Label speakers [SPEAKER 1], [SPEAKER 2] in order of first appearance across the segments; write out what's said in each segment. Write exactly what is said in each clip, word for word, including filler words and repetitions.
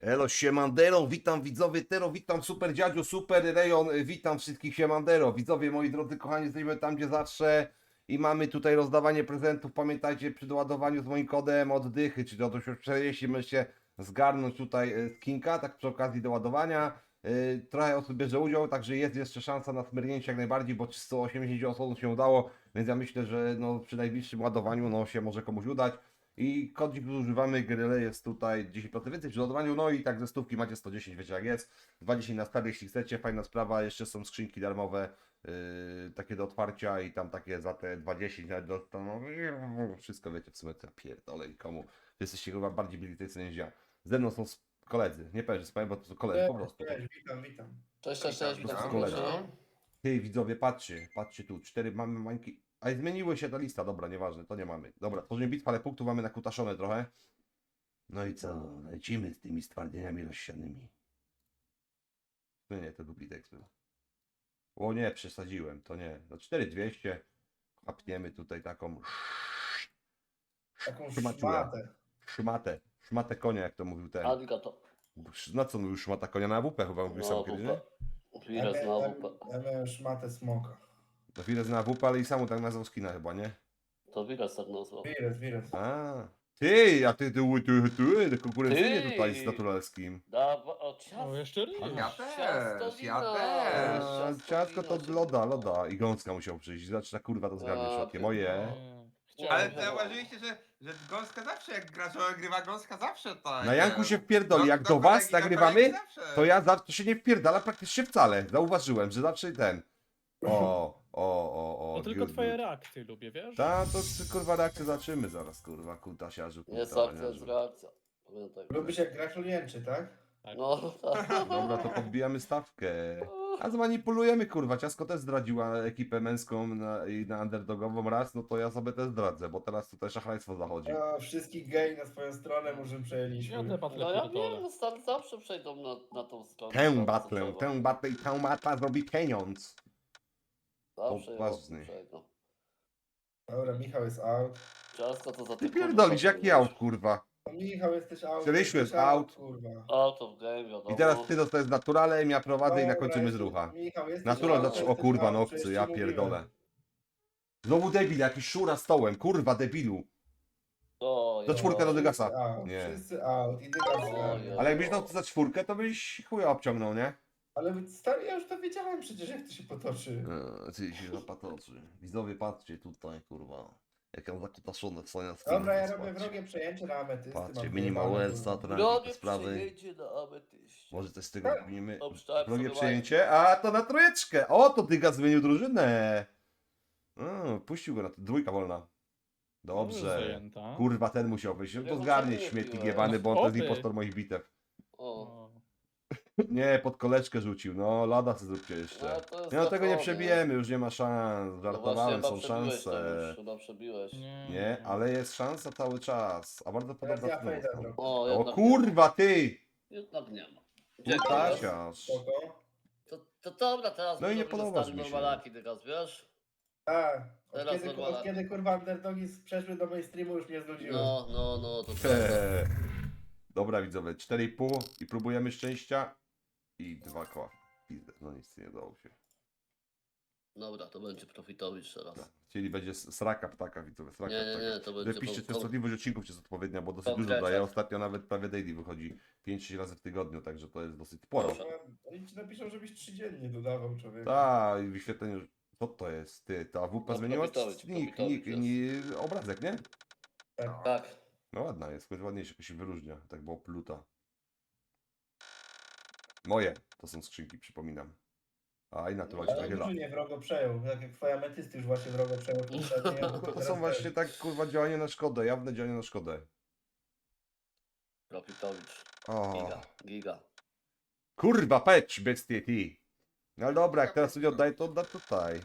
[SPEAKER 1] Elo, siemandero, witam widzowie Tero, witam super dziadziu, super rejon, witam wszystkich siemandero. Widzowie, moi drodzy kochani, jesteśmy tam gdzie zawsze i mamy tutaj rozdawanie prezentów. Pamiętajcie, przy doładowaniu z moim kodem oddychy, czyli od czterdzieści możecie zgarnąć tutaj e, skinka, tak przy okazji doładowania. E, Trochę osób bierze udział, także jest jeszcze szansa na smyrnięcie jak najbardziej, bo sto osiemdziesiąt osób się udało, więc ja myślę, że no, przy najbliższym ładowaniu no, się może komuś udać. I kodzik, który używamy, Gryle, jest tutaj dziesięć procent więcej przy ładowaniu, no i tak ze stówki macie sto dziesięć, wiecie jak jest, dwadzieścia na start, jeśli chcecie, fajna sprawa, jeszcze są skrzynki darmowe, yy, takie do otwarcia i tam takie za te dwadzieścia, nawet do, to, no, wszystko wiecie w sumie, to ja pierdolę i komu, wy jesteście chyba bardziej byli tej cenie niż ja. Ze mną są koledzy, nie powiem, że z bo to są koledzy, po prostu.
[SPEAKER 2] Cześć, witam, witam.
[SPEAKER 3] Cześć, cześć, cześć,
[SPEAKER 2] Witam,
[SPEAKER 3] witam
[SPEAKER 1] witam.
[SPEAKER 3] serdecznie.
[SPEAKER 1] Ty widzowie, patrzcie, patrzcie tu, cztery mamy mańki. A i zmieniły się ta lista, dobra, nieważne, to nie mamy. Dobra, tworzymy bitwę, ale punktów mamy nakutaszone trochę. No i co, lecimy z tymi stwardnieniami rozsianymi. No nie, to duplitek był. O nie, przesadziłem, to nie. No cztery dwieście, chapniemy tutaj taką
[SPEAKER 2] Taką
[SPEAKER 1] Szmaciulę.
[SPEAKER 2] szmatę.
[SPEAKER 1] szmatę, szmatę konia, jak to mówił ten.
[SPEAKER 3] Arigato.
[SPEAKER 1] Na co mówił szmata konia? Na W P chyba mówił sam
[SPEAKER 3] No,
[SPEAKER 1] kiedyś,
[SPEAKER 3] W
[SPEAKER 1] nie?
[SPEAKER 3] P. Wirez na
[SPEAKER 2] ja,
[SPEAKER 3] W P.
[SPEAKER 2] ja miałem szmatę smoka.
[SPEAKER 1] To chwilę na W P, ale i sam tak nazwał skina chyba, nie?
[SPEAKER 3] To Wirez tak nazwał.
[SPEAKER 2] Wirus, wirus.
[SPEAKER 1] A, ty, a ty, ty, ty, ty, ty konkurencyjnie
[SPEAKER 3] Ty.
[SPEAKER 1] tutaj z naturalskim.
[SPEAKER 3] Dawa, o ciasto.
[SPEAKER 4] O, jeszcze raz.
[SPEAKER 5] Ja też, ja
[SPEAKER 3] Ciastowina.
[SPEAKER 5] też.
[SPEAKER 1] A, ciastko to loda, loda. I gąska musiał przyjść. Zaczyna kurwa to zgarnie
[SPEAKER 3] A,
[SPEAKER 1] środkiem.
[SPEAKER 3] ty-
[SPEAKER 1] Moje.
[SPEAKER 4] Chciałem.
[SPEAKER 5] Ale
[SPEAKER 3] Chciałem.
[SPEAKER 5] zauważyliście, że, że gąska zawsze jak gracz grywa gąska zawsze tak.
[SPEAKER 1] Na Janku się
[SPEAKER 5] e,
[SPEAKER 1] wpierdoli. Jak do
[SPEAKER 5] kolegi,
[SPEAKER 1] was
[SPEAKER 5] do
[SPEAKER 1] nagrywamy,
[SPEAKER 5] kolegi zawsze.
[SPEAKER 1] to ja zawsze to się nie wpierdala praktycznie wcale. Zauważyłem, że zawsze ten. O, o, o, o.
[SPEAKER 4] To tylko twoje reakcje lubię, wiesz?
[SPEAKER 1] Ta, to kurwa reakcję zaczymy zaraz, kurwa, kutasiarzu.
[SPEAKER 3] Jest
[SPEAKER 1] kurwa,
[SPEAKER 3] akcja, jest
[SPEAKER 1] niarzu.
[SPEAKER 3] reakcja. Pamiętaj.
[SPEAKER 2] Lubisz jak gracz jęczy, tak?
[SPEAKER 3] No, tak.
[SPEAKER 1] Dobra, to podbijamy stawkę. A zmanipulujemy, kurwa. Ciasko też zdradziła ekipę męską na, i na underdogową raz, no to ja sobie też zdradzę, bo teraz tutaj szachrajstwo zachodzi.
[SPEAKER 2] A, wszystkich gej na swoją stronę może przejęliśmy.
[SPEAKER 4] Ja te batle
[SPEAKER 3] No ja
[SPEAKER 4] pierdolę.
[SPEAKER 3] wiem, no stary zawsze przejdą na, na tą stronę.
[SPEAKER 1] Tę
[SPEAKER 3] co
[SPEAKER 1] batlę,
[SPEAKER 3] trzeba.
[SPEAKER 1] tę batlę i tę batla zrobi pieniądz.
[SPEAKER 3] Zawsze ją
[SPEAKER 1] poważny.
[SPEAKER 3] przejdą.
[SPEAKER 2] Dobra, Michał jest out.
[SPEAKER 3] Ciasto to za
[SPEAKER 1] Ty
[SPEAKER 3] te
[SPEAKER 1] pierdolisz,
[SPEAKER 3] kurwa
[SPEAKER 1] jaki aut, kurwa.
[SPEAKER 2] No, Michał jesteś out.
[SPEAKER 1] Rysiu
[SPEAKER 2] jesteś
[SPEAKER 1] jest out.
[SPEAKER 2] Kurwa.
[SPEAKER 3] Auto w game, wiadomo.
[SPEAKER 1] I teraz ty dostajesz naturalem, ja prowadzę i
[SPEAKER 2] Dobra,
[SPEAKER 1] nakończymy z
[SPEAKER 2] jesteś-
[SPEAKER 1] rucha.
[SPEAKER 2] Michał, jesteś
[SPEAKER 1] Natural
[SPEAKER 2] out,
[SPEAKER 1] zaczął, o
[SPEAKER 2] jesteś
[SPEAKER 1] kurwa,
[SPEAKER 2] out,
[SPEAKER 1] no
[SPEAKER 2] przecież
[SPEAKER 1] obcy,
[SPEAKER 2] ci
[SPEAKER 1] ja
[SPEAKER 2] mówiłem.
[SPEAKER 1] pierdolę. Znowu debil, jakiś szura stołem, kurwa debilu.
[SPEAKER 3] O,
[SPEAKER 1] To
[SPEAKER 3] jo.
[SPEAKER 1] czwórka do
[SPEAKER 2] Wszyscy
[SPEAKER 1] Dygasa.
[SPEAKER 2] out,
[SPEAKER 1] Nie.
[SPEAKER 2] Wszyscy out. I Dygas
[SPEAKER 3] Oj,
[SPEAKER 2] zgarnia.
[SPEAKER 1] Ale jakbyś dał to za czwórkę, to byś chuja obciągnął, nie?
[SPEAKER 2] Ale stary, ja już to wiedziałem przecież, jak to się potoczy.
[SPEAKER 1] Eee, Ty się zapatoczy. Widzowie, patrzcie tutaj, kurwa. Jak ja zakutaszone są na
[SPEAKER 2] Dobra, ja robię wrogie przejęcie na ametysty.
[SPEAKER 1] Patrzcie,
[SPEAKER 2] mam
[SPEAKER 1] minimal
[SPEAKER 2] wyjebane,
[SPEAKER 1] Wellsa,
[SPEAKER 2] kurwa.
[SPEAKER 1] to
[SPEAKER 3] Drogie
[SPEAKER 1] te sprawy.
[SPEAKER 3] przyjęcie na ametyście.
[SPEAKER 1] Może coś z tego
[SPEAKER 2] Tak.
[SPEAKER 1] robimy.
[SPEAKER 3] Obszczałem
[SPEAKER 1] Drogie
[SPEAKER 3] sobie
[SPEAKER 1] przejęcie. A, to na trójeczkę. O, to Dyga zmienił drużynę. O, puścił go na dwójka wolna. Dobrze.
[SPEAKER 4] Zajęta.
[SPEAKER 1] Kurwa, ten musiał wyjść. No
[SPEAKER 3] Ja
[SPEAKER 1] to
[SPEAKER 3] go
[SPEAKER 1] zgarnie
[SPEAKER 3] wcale nie
[SPEAKER 1] śmietnik
[SPEAKER 3] piłem.
[SPEAKER 1] jebany, bo on to jest
[SPEAKER 4] Oby.
[SPEAKER 1] impostor moich bitew.
[SPEAKER 3] O,
[SPEAKER 4] O.
[SPEAKER 1] Nie, pod koleczkę rzucił. No, lada sobie zróbcie
[SPEAKER 3] no,
[SPEAKER 1] jeszcze.
[SPEAKER 3] to jest
[SPEAKER 1] Nie, no tego nie
[SPEAKER 3] zachowanie.
[SPEAKER 1] przebijemy, już nie ma szans.
[SPEAKER 3] No właśnie,
[SPEAKER 1] Żartowałem,
[SPEAKER 3] chyba
[SPEAKER 1] są
[SPEAKER 3] przebiłeś to
[SPEAKER 1] szanse.
[SPEAKER 3] już, Chyba przebiłeś.
[SPEAKER 4] Nie,
[SPEAKER 1] Nie, ale jest szansa cały czas. A bardzo
[SPEAKER 2] Teraz
[SPEAKER 1] podobna
[SPEAKER 2] ja
[SPEAKER 1] cena
[SPEAKER 2] fejdę
[SPEAKER 1] została.
[SPEAKER 2] trochę.
[SPEAKER 3] O,
[SPEAKER 1] O
[SPEAKER 3] jednak
[SPEAKER 1] kurwa, ty!
[SPEAKER 3] Nie ma. Jednak nie ma. Dzięki.
[SPEAKER 1] Kutasiarz.
[SPEAKER 2] Spoko.
[SPEAKER 3] To, to dobra, teraz
[SPEAKER 1] No i nie
[SPEAKER 3] możemy
[SPEAKER 1] podobasz
[SPEAKER 3] zostawić
[SPEAKER 1] mi się.
[SPEAKER 3] normalaki teraz, wiesz?
[SPEAKER 2] Tak. Od
[SPEAKER 3] Teraz
[SPEAKER 2] kiedy,
[SPEAKER 3] normalnie.
[SPEAKER 2] od kiedy kurwa underdogi przeszły do mainstreamu już mnie znudziły.
[SPEAKER 3] No, no, no, to prawda.
[SPEAKER 1] Eee. Dobra widzowie, cztery i pół i próbujemy szczęścia. I dwa koła. Pizdę, no nic nie udało się.
[SPEAKER 3] Dobra, to będzie profitowicz teraz.
[SPEAKER 1] Tak. Chcieli będzie s- sraka ptaka widzowie, sraka
[SPEAKER 3] Nie, nie,
[SPEAKER 1] ptaka.
[SPEAKER 3] nie, to będzie...
[SPEAKER 1] Wypiszcie
[SPEAKER 3] po-
[SPEAKER 1] częstotliwość odcinków, czy jest odpowiednia, bo dosyć
[SPEAKER 3] Konkretnie.
[SPEAKER 1] dużo daje. Ostatnio nawet prawie daily wychodzi pięć sześć razy w tygodniu, także to jest dosyć sporo.
[SPEAKER 3] Dobrze.
[SPEAKER 2] Oni ci napiszą, żebyś trzy dziennie dodawał człowiek.
[SPEAKER 1] Tak, i wyświetlenie. Co to jest? Ty, ta W P
[SPEAKER 3] No,
[SPEAKER 1] zmieniła
[SPEAKER 3] Probitowicz,
[SPEAKER 1] nick, nick,
[SPEAKER 3] Probitowicz
[SPEAKER 1] nie, obrazek, nie?
[SPEAKER 2] Tak.
[SPEAKER 3] Tak.
[SPEAKER 1] No ładna jest, choć ładniejsza, jakaś się wyróżnia. Tak było pluta. Moje to są skrzynki, przypominam. A i naturalnie
[SPEAKER 2] Ale
[SPEAKER 1] chyba.
[SPEAKER 2] drużynie wrogo przejął, tak jak twoja ametysty już właśnie wrogo przejął. poprzednie,
[SPEAKER 1] No
[SPEAKER 2] to
[SPEAKER 1] to
[SPEAKER 2] teraz
[SPEAKER 1] są
[SPEAKER 2] też.
[SPEAKER 1] właśnie tak kurwa działania na szkodę, jawne działania na szkodę.
[SPEAKER 3] Profitowicz.
[SPEAKER 1] O,
[SPEAKER 3] Giga, giga.
[SPEAKER 1] kurwa pecz, bestie ty. No ale dobra, jak teraz sobie oddaję, to odda tutaj.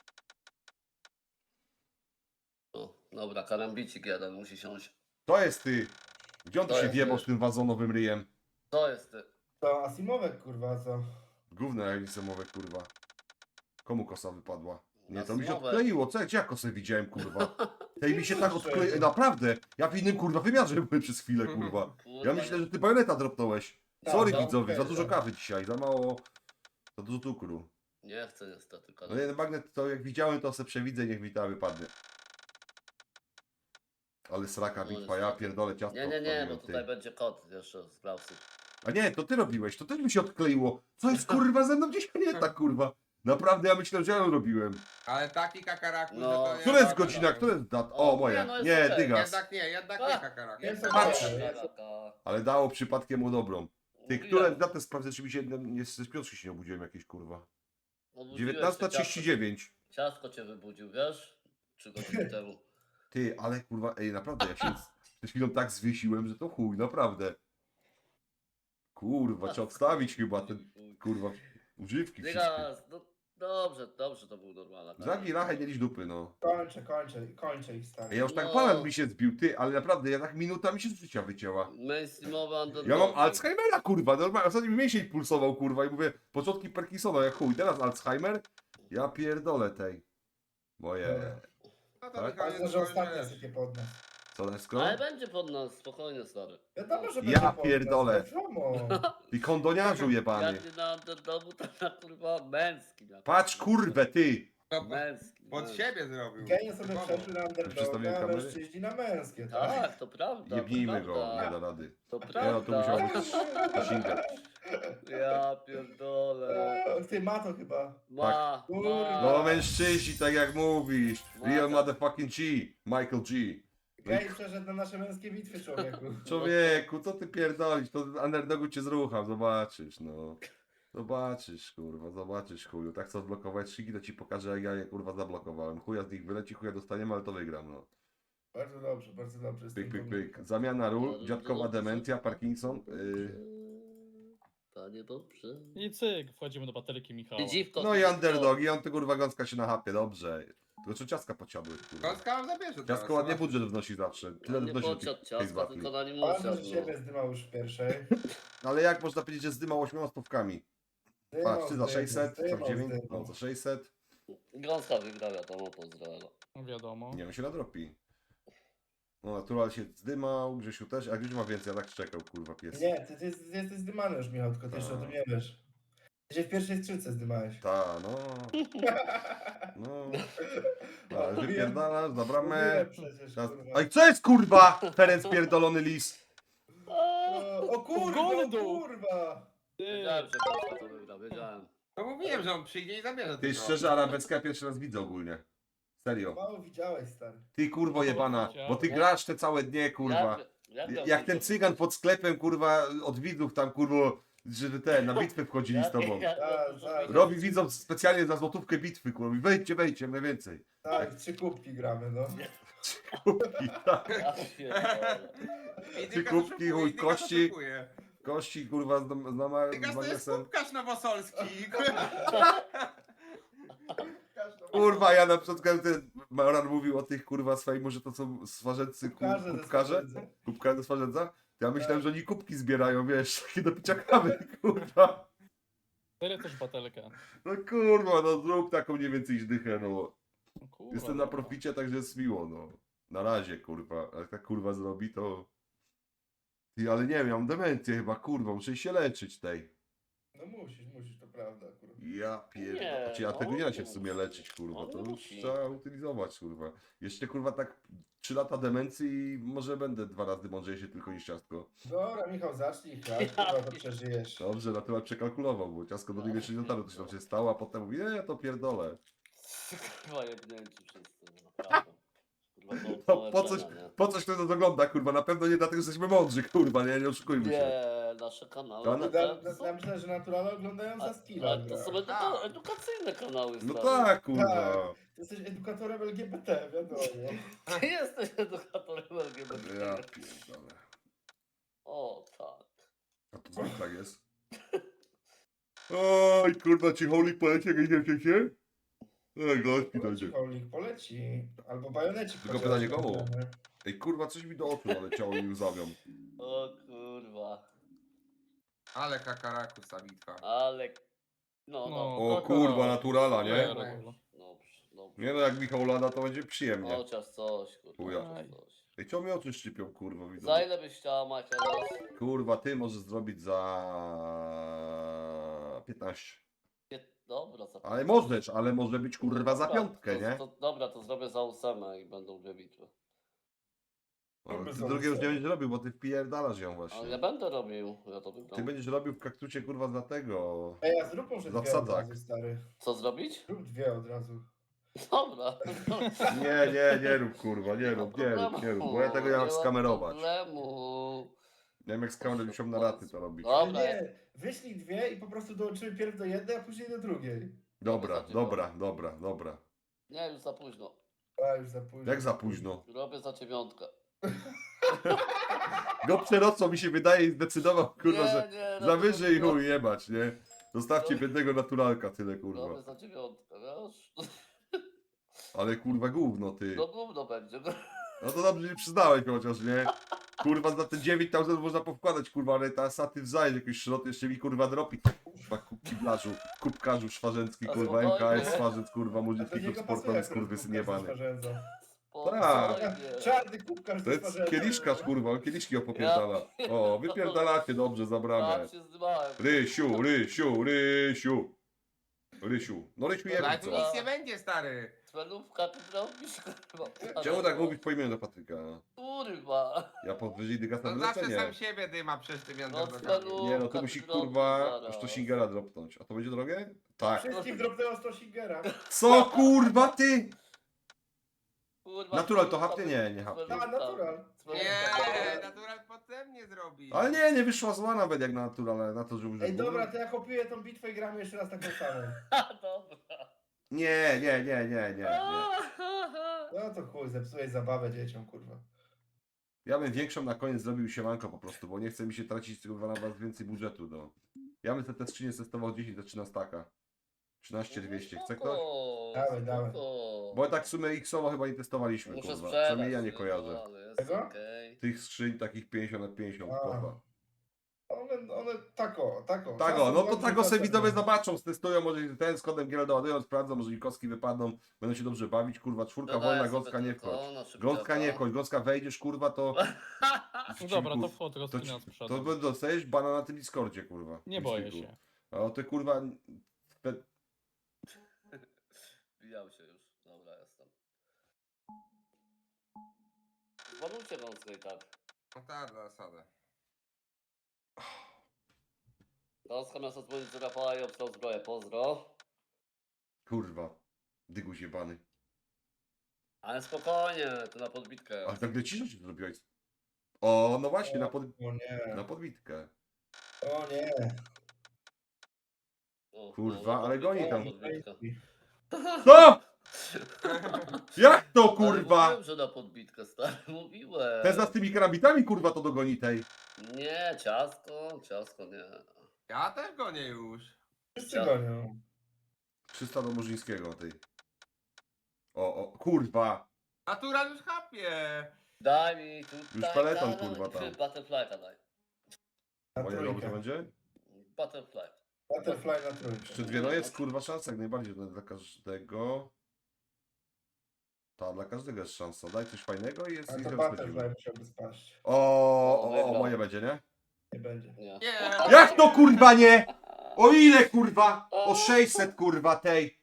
[SPEAKER 3] O, dobra, karambicik jeden musi siąść.
[SPEAKER 1] To jest ty. Gdzie on tu
[SPEAKER 3] To
[SPEAKER 1] się
[SPEAKER 3] jest
[SPEAKER 1] wjebał
[SPEAKER 3] ty.
[SPEAKER 1] z tym wazonowym ryjem?
[SPEAKER 3] To jest ty.
[SPEAKER 2] To Asimowek kurwa, co?
[SPEAKER 1] Gówno jak lisemowe kurwa. Komu kosa wypadła? Nie, to mi się
[SPEAKER 3] Asimowe.
[SPEAKER 1] odkleiło. Co, gdzie ja kosę widziałem, kurwa? Tej mi się tak
[SPEAKER 2] Kurczę.
[SPEAKER 1] odkleiło. Naprawdę. Ja w innym kurwa wymiarze byłem przez chwilę, kurwa. Ja myślę, że ty bajoneta dropnąłeś. Sorry
[SPEAKER 2] no,
[SPEAKER 1] widzowie,
[SPEAKER 2] okej,
[SPEAKER 1] za dużo
[SPEAKER 2] tak.
[SPEAKER 1] kawy dzisiaj, za mało, za dużo cukru.
[SPEAKER 3] Nie chcę niestety
[SPEAKER 1] No
[SPEAKER 3] karambicik.
[SPEAKER 1] jeden magnet to jak widziałem to se przewidzę, niech mi ta wypadnie. Ale sraka
[SPEAKER 3] No,
[SPEAKER 1] bitwa, ja
[SPEAKER 3] niestety.
[SPEAKER 1] pierdolę ciasto
[SPEAKER 3] Nie, nie, nie,
[SPEAKER 1] odpaliłem,
[SPEAKER 3] bo
[SPEAKER 1] ty.
[SPEAKER 3] tutaj będzie kot jeszcze z Klausów.
[SPEAKER 1] A nie, to ty robiłeś, to też mi się odkleiło. Co jest kurwa ze mną dzisiaj nie tak kurwa? Naprawdę ja myślałem, że ja ją robiłem.
[SPEAKER 5] Ale taki kakaraku,
[SPEAKER 3] No.
[SPEAKER 5] że to nie
[SPEAKER 1] Która jest
[SPEAKER 5] ma
[SPEAKER 1] godzina,
[SPEAKER 5] problemu.
[SPEAKER 1] która jest dat?
[SPEAKER 3] O,
[SPEAKER 1] O, moja.
[SPEAKER 3] nie, no jest
[SPEAKER 1] Nie,
[SPEAKER 3] okej.
[SPEAKER 1] dygas.
[SPEAKER 5] Jednak nie, jednak
[SPEAKER 3] A,
[SPEAKER 5] nie kakaraku.
[SPEAKER 2] jest
[SPEAKER 1] Patrz.
[SPEAKER 2] okej, jest-
[SPEAKER 3] Taka-
[SPEAKER 1] Ale dało przypadkiem mu dobrą. Ty,
[SPEAKER 3] Mówiłem,
[SPEAKER 1] które datę sprawdzę, czy mi się nie, nie z piątki się nie obudziłem jakieś kurwa.
[SPEAKER 3] obudziłeś
[SPEAKER 1] dziewiętnasta
[SPEAKER 3] się,
[SPEAKER 1] trzydzieści dziewięć.
[SPEAKER 3] Ciastko, ciastko cię wybudził, wiesz? Trzy godziny temu.
[SPEAKER 1] Ty, ale kurwa, ej, naprawdę, ja się z- przed chwilą tak zwiesiłem, że to chuj, naprawdę. Kurwa, trzeba odstawić chyba ten, kurwa, używki wszystkie.
[SPEAKER 3] Dygas, no dobrze, dobrze to był normalny.
[SPEAKER 1] Zamknij rachę, nie liść dupy, no.
[SPEAKER 2] Kończę, kończę, kończę ich stary.
[SPEAKER 1] Ja już tak
[SPEAKER 3] No.
[SPEAKER 1] palant mi się zbił, ty, ale naprawdę, ja tak minuta mi się z życia wycięła.
[SPEAKER 3] Mainstreamowy underdog.
[SPEAKER 1] Ja mam Alzheimera, kurwa, normalnie, ostatnio mi mięsień pulsował, kurwa, i mówię, początki Parkinsona, jak chuj, teraz Alzheimer? Ja pierdolę tej. Moje.
[SPEAKER 5] No to
[SPEAKER 1] Tak?
[SPEAKER 5] Michał,
[SPEAKER 2] Ważne,
[SPEAKER 5] jest
[SPEAKER 2] że
[SPEAKER 5] to,
[SPEAKER 2] ostatnie
[SPEAKER 5] wiesz,
[SPEAKER 2] sypie pod nas.
[SPEAKER 1] Co, Nesko?
[SPEAKER 3] Ale będzie pod nas, spokojnie stary.
[SPEAKER 2] Wiadomo, że
[SPEAKER 1] Ja
[SPEAKER 2] będzie pod nas,
[SPEAKER 1] pierdolę.
[SPEAKER 2] wiadomo.
[SPEAKER 1] Ty kondoniarzu jebany.
[SPEAKER 3] Jak nie na underdogu, to na kurwa męskim. na
[SPEAKER 1] Patrz,
[SPEAKER 3] kurwa.
[SPEAKER 1] kurwę, ty.
[SPEAKER 5] to
[SPEAKER 3] Męski.
[SPEAKER 5] pod
[SPEAKER 3] męski.
[SPEAKER 5] siebie zrobił.
[SPEAKER 2] Genie sobie
[SPEAKER 5] Typowo.
[SPEAKER 2] przeszły na
[SPEAKER 1] Przestawiłem
[SPEAKER 2] underdoga, a
[SPEAKER 1] kamerę?
[SPEAKER 2] mężczyźni na męskie, tak?
[SPEAKER 3] Tak, to prawda.
[SPEAKER 1] Jebnijmy
[SPEAKER 3] to
[SPEAKER 1] go,
[SPEAKER 3] prawda.
[SPEAKER 1] nie da rady.
[SPEAKER 3] To
[SPEAKER 1] Nie no, to musiał
[SPEAKER 3] prawda.
[SPEAKER 1] być Zasięga.
[SPEAKER 3] Ja pierdolę.
[SPEAKER 2] Eee, Ty ma to chyba.
[SPEAKER 3] Ma,
[SPEAKER 2] Kurwa.
[SPEAKER 3] ma.
[SPEAKER 1] No mężczyźni, tak jak mówisz. Real
[SPEAKER 3] Mada.
[SPEAKER 1] motherfucking G. Michael G.
[SPEAKER 2] Gej przeszedł na nasze męskie bitwy, człowieku.
[SPEAKER 1] Człowieku, co ty pierdolisz? To underdogu cię zrucham, zobaczysz, no. Zobaczysz, kurwa, zobaczysz, chuju. Tak chcę odblokować szyki, to ci pokażę, jak ja je, kurwa, zablokowałem. Chuja z nich wyleci, chuja dostaniemy, ale to wygram, no.
[SPEAKER 2] Bardzo dobrze, bardzo dobrze. z
[SPEAKER 1] Pyk,
[SPEAKER 2] tym
[SPEAKER 1] pyk, pyk.
[SPEAKER 2] pomysłem.
[SPEAKER 1] Zamiana ról,
[SPEAKER 3] Dobrze,
[SPEAKER 1] dziadkowa
[SPEAKER 3] dobrze,
[SPEAKER 1] demencja,
[SPEAKER 3] dobrze,
[SPEAKER 1] Parkinson.
[SPEAKER 3] dobrze.
[SPEAKER 1] Yy.
[SPEAKER 3] Panie dobrze.
[SPEAKER 4] I cyk, wchodzimy do bateryki Michała.
[SPEAKER 3] Ty dziwko,
[SPEAKER 1] No
[SPEAKER 3] ty
[SPEAKER 1] i
[SPEAKER 3] dziwko.
[SPEAKER 1] underdogi, on ty kurwa gąska się na hapie, dobrze. Tylko czy ciastka podsiadły, kurwa.
[SPEAKER 5] Gąska wam zabierze teraz.
[SPEAKER 1] Ciastko ładnie
[SPEAKER 5] no.
[SPEAKER 1] budżet wnosi zawsze. Tyle
[SPEAKER 3] On nie
[SPEAKER 1] wnosi do
[SPEAKER 3] podsiadł
[SPEAKER 1] tych- tej
[SPEAKER 3] ciastka,
[SPEAKER 1] zbatli.
[SPEAKER 3] tylko na nim
[SPEAKER 2] Ważne,
[SPEAKER 3] usiadł.
[SPEAKER 2] że
[SPEAKER 3] no.
[SPEAKER 2] siebie zdymał już w pierwszej.
[SPEAKER 1] No ale jak można powiedzieć, że zdymał ośmioma stówkami?
[SPEAKER 2] Zdymał,
[SPEAKER 1] Patrz, ty za
[SPEAKER 2] zdymał,
[SPEAKER 1] sześćset, za
[SPEAKER 2] zdymał,
[SPEAKER 1] dziewięć,
[SPEAKER 2] zdymał.
[SPEAKER 1] no za sześćset.
[SPEAKER 3] Gąska wygra, wiadomo, pozdrawia.
[SPEAKER 4] Wiadomo.
[SPEAKER 1] Nie, on się nadrobi. No natural się zdymał, Grzesiu też, a Grzesiu ma więcej, ja tak czekał, kurwa, pies.
[SPEAKER 2] Nie, ty, ty, ty jesteś zdymany już, Michał, tylko ty jeszcze o tym nie wiesz. Ty się w pierwszej skrzynce zdymałeś.
[SPEAKER 1] Ta, no. No. Ta,
[SPEAKER 2] Mówiłem-
[SPEAKER 1] wypierdalasz, za bramę.
[SPEAKER 2] mówiłem przecież,
[SPEAKER 1] Teraz...
[SPEAKER 2] kurwa.
[SPEAKER 1] Ej, co jest kurwa? Ferenc pierdolony lis.
[SPEAKER 2] O, o kurwa, o
[SPEAKER 4] Goldu!
[SPEAKER 2] kurwa!
[SPEAKER 4] Ty,
[SPEAKER 3] Wiedziałem, że Gąska to wygra, wiedziałem.
[SPEAKER 5] No mówiłem, że on przyjdzie i zabierze
[SPEAKER 1] Ty
[SPEAKER 5] tylko.
[SPEAKER 1] szczerze, arabecka pierwszy raz widzę ogólnie. Serio.
[SPEAKER 2] Mało widziałeś, stary.
[SPEAKER 1] Ty kurwo jebana, bo ty grasz te całe dnie, kurwa.
[SPEAKER 3] Jak, jak,
[SPEAKER 1] Jak ten cygan pod sklepem, kurwa, od widzów tam, kurwo, że ten, na bitwę wchodzili z tobą.
[SPEAKER 2] Tak, tak.
[SPEAKER 1] Robi widzom specjalnie za złotówkę bitwy, kurwa. Mówi, wejdźcie, wejdźcie, mniej więcej.
[SPEAKER 2] Tak, trzy kubki gramy, no.
[SPEAKER 1] Kubki, tak.
[SPEAKER 3] Ja pierdolę.
[SPEAKER 5] I
[SPEAKER 1] Ty
[SPEAKER 5] Dygas
[SPEAKER 1] kubki,
[SPEAKER 5] oszukuje,
[SPEAKER 1] chuj,
[SPEAKER 5] i Dygas
[SPEAKER 1] kości.
[SPEAKER 5] oszukuje.
[SPEAKER 1] Kości, kurwa, z, z, nama-
[SPEAKER 5] Dygas
[SPEAKER 1] z
[SPEAKER 5] to jest
[SPEAKER 1] magnesem.
[SPEAKER 5] kubkarz nowosolski.
[SPEAKER 1] Kurwa, ja na przykład ten Maran mówił o tych, kurwa, swoim, że to są swarzędcy,
[SPEAKER 2] Kubkarze
[SPEAKER 1] ku-
[SPEAKER 2] ze
[SPEAKER 1] kubkarze.
[SPEAKER 2] Swarzędza.
[SPEAKER 1] Kubkarze ze swarzędza. Ja myślałem, że oni kubki zbierają, wiesz, takie do picia kawy, kurwa.
[SPEAKER 4] tyle też batelkę.
[SPEAKER 1] No kurwa, no zrób taką mniej więcej dychę, no.
[SPEAKER 4] No kurwa,
[SPEAKER 1] Jestem na
[SPEAKER 4] dobra.
[SPEAKER 1] proficie, także jest miło, no. Na razie, kurwa. A jak tak kurwa zrobi, to... Ty, ale nie wiem, ja mam demencję chyba, kurwa, muszę się leczyć tej.
[SPEAKER 2] No musisz, musisz, to prawda akurat.
[SPEAKER 1] Ja pierdolę.
[SPEAKER 3] Nie,
[SPEAKER 1] Znaczy, ja tego
[SPEAKER 3] on
[SPEAKER 1] nie da się
[SPEAKER 3] nie
[SPEAKER 1] w sumie
[SPEAKER 3] musi.
[SPEAKER 1] leczyć, kurwa.
[SPEAKER 3] On
[SPEAKER 1] To
[SPEAKER 3] nie
[SPEAKER 1] już
[SPEAKER 3] musi.
[SPEAKER 1] trzeba utylizować, kurwa. Jeszcze, kurwa, tak trzy lata demencji i może będę dwa razy mądrzejszy tylko niż ciastko.
[SPEAKER 2] Dobra, Michał, zacznij chlać, kurwa, to przeżyjesz.
[SPEAKER 1] Dobrze, na tyle przekalkulował, bo ciastko do niego jeszcze nie dotarło, to się tam się stało, a potem mówi, nie, ja to pierdolę.
[SPEAKER 3] Kurwa jebnięci wszyscy, naprawdę. Kurwa, to,
[SPEAKER 1] No,
[SPEAKER 3] to
[SPEAKER 1] po coś,
[SPEAKER 3] leczenia, nie?
[SPEAKER 1] po coś kto to ogląda, kurwa, na pewno nie dlatego, że jesteśmy mądrzy, kurwa, nie, nie oszukujmy się.
[SPEAKER 3] Nie, nasze kanały.
[SPEAKER 1] Kan-
[SPEAKER 3] to
[SPEAKER 2] Ja,
[SPEAKER 3] te są-
[SPEAKER 2] ja myślę, że naturalne oglądają za skilla.
[SPEAKER 3] Ale to są eduka- edukacyjne kanały,
[SPEAKER 1] No
[SPEAKER 3] stary.
[SPEAKER 1] tak, kurwa.
[SPEAKER 2] Tak. Ty jesteś edukatorem L G B T, wiadomo.
[SPEAKER 3] Ty jesteś edukatorem L G B T.
[SPEAKER 1] Ja pierdolę.
[SPEAKER 3] O, tak.
[SPEAKER 1] A to co tak jest? Oj, kurwa, ci holy poleci, jak nie wiem, się? Ej, gości dojdzie.
[SPEAKER 2] Holik poleci. Albo bajonecik.
[SPEAKER 1] Tylko
[SPEAKER 2] chociaż.
[SPEAKER 1] pytanie komu? Ej, kurwa, coś mi do oczu naleciało i łzawią.
[SPEAKER 3] O kurwa.
[SPEAKER 5] Ale kakaraku ta bitwa.
[SPEAKER 3] Ale... No, no.
[SPEAKER 1] O
[SPEAKER 4] taka-
[SPEAKER 1] kurwa, naturala, nie?
[SPEAKER 4] Dobra.
[SPEAKER 3] Dobrze, dobrze.
[SPEAKER 1] Nie no, jak Michał lada, to będzie przyjemnie.
[SPEAKER 3] Chociaż coś, kurwa.
[SPEAKER 1] Chuja.
[SPEAKER 3] chociaż coś.
[SPEAKER 1] Ej, czemu mi oczy szczypią, kurwa, widzę.
[SPEAKER 3] Za ile byś chciała mać teraz?
[SPEAKER 1] Kurwa, ty możesz zrobić za piętnaście.
[SPEAKER 3] Nie, dobra, za
[SPEAKER 1] Ale możesz, ale może być kurwa za
[SPEAKER 3] Dobra,
[SPEAKER 1] piątkę,
[SPEAKER 3] to,
[SPEAKER 1] nie?
[SPEAKER 3] To, dobra, to zrobię za ósemę i będą dwie bitwy.
[SPEAKER 1] Ale ty
[SPEAKER 2] za
[SPEAKER 1] drugie już nie
[SPEAKER 2] ósemę.
[SPEAKER 1] będziesz robił, bo ty wpierdalasz ją
[SPEAKER 3] Ale
[SPEAKER 1] właśnie.
[SPEAKER 3] ja będę robił, ja to
[SPEAKER 1] Ty
[SPEAKER 3] wygram.
[SPEAKER 1] będziesz robił w kaktucie kurwa za tego.
[SPEAKER 2] Ej, a zrób może
[SPEAKER 1] Za
[SPEAKER 2] dwie od
[SPEAKER 1] wsadzak.
[SPEAKER 2] razu, stary.
[SPEAKER 3] Co zrobić?
[SPEAKER 2] Zrób dwie od razu.
[SPEAKER 3] Dobra.
[SPEAKER 1] Nie, nie, nie rób kurwa, nie
[SPEAKER 3] ma
[SPEAKER 1] rób, nie rób, nie
[SPEAKER 3] problemu,
[SPEAKER 1] rób, bo ja tego nie mam
[SPEAKER 3] ma
[SPEAKER 1] skamerować.
[SPEAKER 3] problemu.
[SPEAKER 1] Nie wiem jak skamerować, musiałem na raty to robić.
[SPEAKER 3] Dobra,
[SPEAKER 2] Nie, wyślij dwie i po prostu dołączymy pierw do jednej, a później do drugiej.
[SPEAKER 1] Dobra, dobra, dobra, dobra.
[SPEAKER 3] nie, już za późno.
[SPEAKER 2] A, już za późno.
[SPEAKER 1] Jak za późno?
[SPEAKER 3] Robię za dziewiątkę.
[SPEAKER 1] Go przerocą mi się wydaje i zdecydował kurwa,
[SPEAKER 3] nie,
[SPEAKER 1] że
[SPEAKER 3] nie,
[SPEAKER 1] za
[SPEAKER 3] robię
[SPEAKER 1] wyżej
[SPEAKER 3] za
[SPEAKER 1] chuj jebać, nie? Zostawcie biednego naturalka tyle
[SPEAKER 3] Robię
[SPEAKER 1] kurwa.
[SPEAKER 3] za dziewiątkę, wiesz?
[SPEAKER 1] Ale kurwa gówno ty.
[SPEAKER 3] No gówno będzie.
[SPEAKER 1] No to dobrze nie przyznałeś chociaż, nie? Kurwa za te dziewięć tysięcy można powkładać, kurwa, ale ta saty wzajem jakiś szrot jeszcze mi kurwa dropi. Kurwa kubkiblarzu, kubkarzu szwarzencki,
[SPEAKER 3] A
[SPEAKER 1] kurwa,
[SPEAKER 3] spokojnie.
[SPEAKER 1] M K S Swarzec, kurwa,
[SPEAKER 2] A to
[SPEAKER 1] młodzieński
[SPEAKER 2] niego
[SPEAKER 1] klub
[SPEAKER 2] pasuje
[SPEAKER 1] sportowy,
[SPEAKER 2] akurat
[SPEAKER 1] skurwysyn
[SPEAKER 2] kubkarz ze
[SPEAKER 1] jebany.
[SPEAKER 2] Swarzędza.
[SPEAKER 1] Tak.
[SPEAKER 2] Czarny kubkarz
[SPEAKER 1] To
[SPEAKER 2] ze
[SPEAKER 1] jest
[SPEAKER 2] Swarzędza.
[SPEAKER 1] kieliszkarz, kurwa, on kieliszki opopierdala. O, wypierdalacie dobrze za bramę.
[SPEAKER 3] Tam się zdymałem.
[SPEAKER 1] Rysiu, Rysiu, Rysiu. Rysiu. No Rysiu
[SPEAKER 5] Ale
[SPEAKER 1] jebie
[SPEAKER 5] tu
[SPEAKER 1] co?
[SPEAKER 5] nic nie będzie, stary.
[SPEAKER 3] Cmenówka ty robisz, kurwa.
[SPEAKER 1] Czemu tak mówić po imieniu do Patryka?
[SPEAKER 3] Kurwa.
[SPEAKER 1] Ja podwyżej dygasta
[SPEAKER 5] To zawsze
[SPEAKER 1] wylecenie.
[SPEAKER 5] sam siebie dyma przez tym
[SPEAKER 3] No
[SPEAKER 5] janderdogami.
[SPEAKER 3] cmenówka.
[SPEAKER 1] Nie no, to musi
[SPEAKER 3] ty robisz
[SPEAKER 1] kurwa
[SPEAKER 3] zaraz.
[SPEAKER 1] Sztosingera dropnąć. A to będzie drogie? Tak.
[SPEAKER 2] Wszystkim dropnęło sto Shingera.
[SPEAKER 1] Co kurwa ty?
[SPEAKER 3] Kurwa,
[SPEAKER 1] Natural to
[SPEAKER 3] cmenówka
[SPEAKER 1] hapnie?
[SPEAKER 3] by-
[SPEAKER 1] Nie, nie hapnie.
[SPEAKER 2] A, natural.
[SPEAKER 3] Cmenówka
[SPEAKER 5] Nie,
[SPEAKER 3] by-
[SPEAKER 5] natural potem nie zrobi.
[SPEAKER 1] Ale nie, nie wyszła zła nawet jak na natural, ale na to, że użył.
[SPEAKER 2] Ej, dobra, to ja kopiuję tą bitwę i gramy jeszcze raz taką samą.
[SPEAKER 3] Ha, dobra.
[SPEAKER 1] Nie, nie, nie, nie, nie, nie.
[SPEAKER 2] No to chuj, zepsułeś zabawę dzieciom, kurwa.
[SPEAKER 1] Ja bym większą na koniec zrobił siemanko po prostu, bo nie chce mi się tracić kurwa na was więcej budżetu, no. Ja bym te, te skrzynie testował dziesięć za trzynaście taka. trzynaście dwieście. Chce ktoś?
[SPEAKER 3] Spoko,
[SPEAKER 2] Dawaj, dawaj.
[SPEAKER 3] spoko.
[SPEAKER 1] Bo tak w sumie X-owo chyba nie testowaliśmy,
[SPEAKER 3] Muszę
[SPEAKER 1] kurwa.
[SPEAKER 3] sprzedać.
[SPEAKER 1] Przynajmniej ja nie
[SPEAKER 3] no,
[SPEAKER 1] kojarzę.
[SPEAKER 3] ale jest
[SPEAKER 2] Tego?
[SPEAKER 3] okej.
[SPEAKER 1] Tych skrzyń takich pięćdziesiąt na pięćdziesiąt,
[SPEAKER 2] A.
[SPEAKER 1] kurwa.
[SPEAKER 2] One, one tako, tako.
[SPEAKER 1] Tak o,
[SPEAKER 2] Czasem
[SPEAKER 1] no to
[SPEAKER 2] dobrze,
[SPEAKER 1] tak o se
[SPEAKER 2] czasem
[SPEAKER 1] widzowie
[SPEAKER 2] nie.
[SPEAKER 1] zobaczą, stestują, może ten z kodem Giel doładują, sprawdzą, może i kostki wypadną, będą się dobrze bawić, kurwa, czwórka
[SPEAKER 3] Dodaję
[SPEAKER 1] wolna,
[SPEAKER 3] sobie
[SPEAKER 1] gąska nie
[SPEAKER 3] tylko
[SPEAKER 1] wchodź.
[SPEAKER 3] na szybciaka.
[SPEAKER 1] Gąska nie wchodź, gąska wejdziesz, kurwa, to...
[SPEAKER 4] No dobra, to wchód
[SPEAKER 1] To,
[SPEAKER 4] rozkmina z
[SPEAKER 1] to,
[SPEAKER 4] przodu.
[SPEAKER 1] to dostajesz bana na tym Discordzie, kurwa.
[SPEAKER 4] Nie boję
[SPEAKER 1] Liczniku.
[SPEAKER 4] się.
[SPEAKER 1] A o te kurwa... Te...
[SPEAKER 3] Wbijał się już. Dobra, jestem. Zbanujcie gąskę i tak.
[SPEAKER 5] No tak, za zasadę.
[SPEAKER 3] Gąska miała zadzwonić do Rafała i obstał zbroję. Pozdro.
[SPEAKER 1] Kurwa. Dyguś jebany.
[SPEAKER 3] Ale spokojnie, to na podbitkę.
[SPEAKER 1] Ale tak ciszę się zrobiłeś. O, no właśnie, na, pod...
[SPEAKER 2] O nie,
[SPEAKER 1] na podbitkę.
[SPEAKER 2] o nie.
[SPEAKER 3] O,
[SPEAKER 1] Kurwa,
[SPEAKER 3] no, na
[SPEAKER 1] ale goni
[SPEAKER 3] podbitkę,
[SPEAKER 1] tam.
[SPEAKER 3] podbitkę.
[SPEAKER 1] Co? Jak to,
[SPEAKER 3] Ale
[SPEAKER 1] kurwa?
[SPEAKER 3] Mówiłem, że na podbitkę, stary, mówiłem.
[SPEAKER 1] Ten z tymi karabitami, kurwa, to dogoni tej.
[SPEAKER 3] Nie, ciastko, ciastko nie.
[SPEAKER 5] Ja też gonię już.
[SPEAKER 2] Wszyscy gonią.
[SPEAKER 1] trzysta do Murzyńskiego tej. O, o, kurwa.
[SPEAKER 5] Natural już chapie.
[SPEAKER 3] Daj mi tutaj...
[SPEAKER 1] Już peleton,
[SPEAKER 3] daj,
[SPEAKER 1] kurwa, tam.
[SPEAKER 3] Butterfly'a daj.
[SPEAKER 2] Na
[SPEAKER 1] Moje dobrze
[SPEAKER 2] trójkę.
[SPEAKER 1] będzie?
[SPEAKER 3] Butterfly.
[SPEAKER 2] Butterfly na trójkę.
[SPEAKER 1] Jeszcze dwie, no jest kurwa szansa, jak najbardziej no, dla każdego. Ta, dla każdego jest szansa. Daj coś fajnego i jest
[SPEAKER 2] A
[SPEAKER 1] i
[SPEAKER 2] to
[SPEAKER 1] rozchodzimy.
[SPEAKER 2] Butterfly musiałby spaść.
[SPEAKER 1] O, o, o,
[SPEAKER 3] Wygrał.
[SPEAKER 1] moje będzie, nie?
[SPEAKER 2] Nie będzie.
[SPEAKER 3] Nie.
[SPEAKER 5] Nie.
[SPEAKER 1] Jak to kurwa nie? O ile kurwa? O sześćset kurwa tej.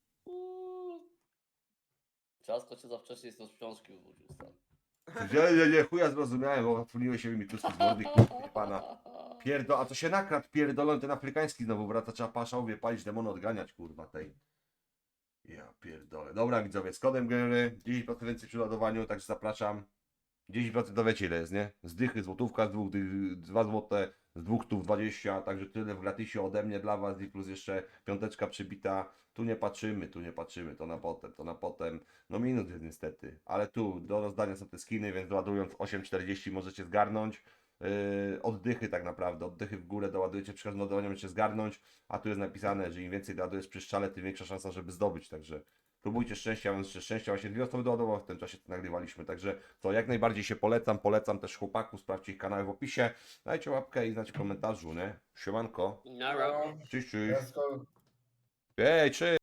[SPEAKER 3] Ciastko cię za wcześnie z książki uwrócił, stary.
[SPEAKER 1] Nie, nie, nie, chuja zrozumiałem, bo otwoliły się mi tuski z mordy, kurwa, pana. Pierdo, a to się nakradł, pierdolony ten afrykański znowu wraca, trzeba paszowie palić, demony odganiać, kurwa, tej. Ja pierdolę. Dobra widzowie, z kodem gry dziesięć procent więcej przy ładowaniu, także zapraszam. dziesięć procent to wiecie ile jest, nie? Z dychy, złotówka, z dwóch, dych, dwa złote, z dwóch tu dwadzieścia, także tyle w gratisie ode mnie dla was i plus jeszcze piąteczka przybita. Tu nie patrzymy, tu nie patrzymy, to na potem, to na potem. No minut jest niestety, ale tu do rozdania są te skiny, więc ładując osiem czterdzieści możecie zgarnąć. Yy, oddychy tak naprawdę, oddychy w górę doładujecie, przy każdym ładowaniu możecie zgarnąć, a tu jest napisane, że im więcej doładujesz przy strzale, tym większa szansa, żeby zdobyć, także próbujcie szczęścia, ja mam jeszcze szczęścia, właśnie dwie osoby doładowały, w tym czasie to nagrywaliśmy, także to jak najbardziej się polecam, polecam też chłopaków, sprawdźcie ich kanały w opisie, dajcie łapkę i znajcie w komentarzu, nie? Siemanko,
[SPEAKER 3] Nara.
[SPEAKER 2] No,
[SPEAKER 1] cześć, cześć,
[SPEAKER 2] ja sko-
[SPEAKER 1] ej, cześć!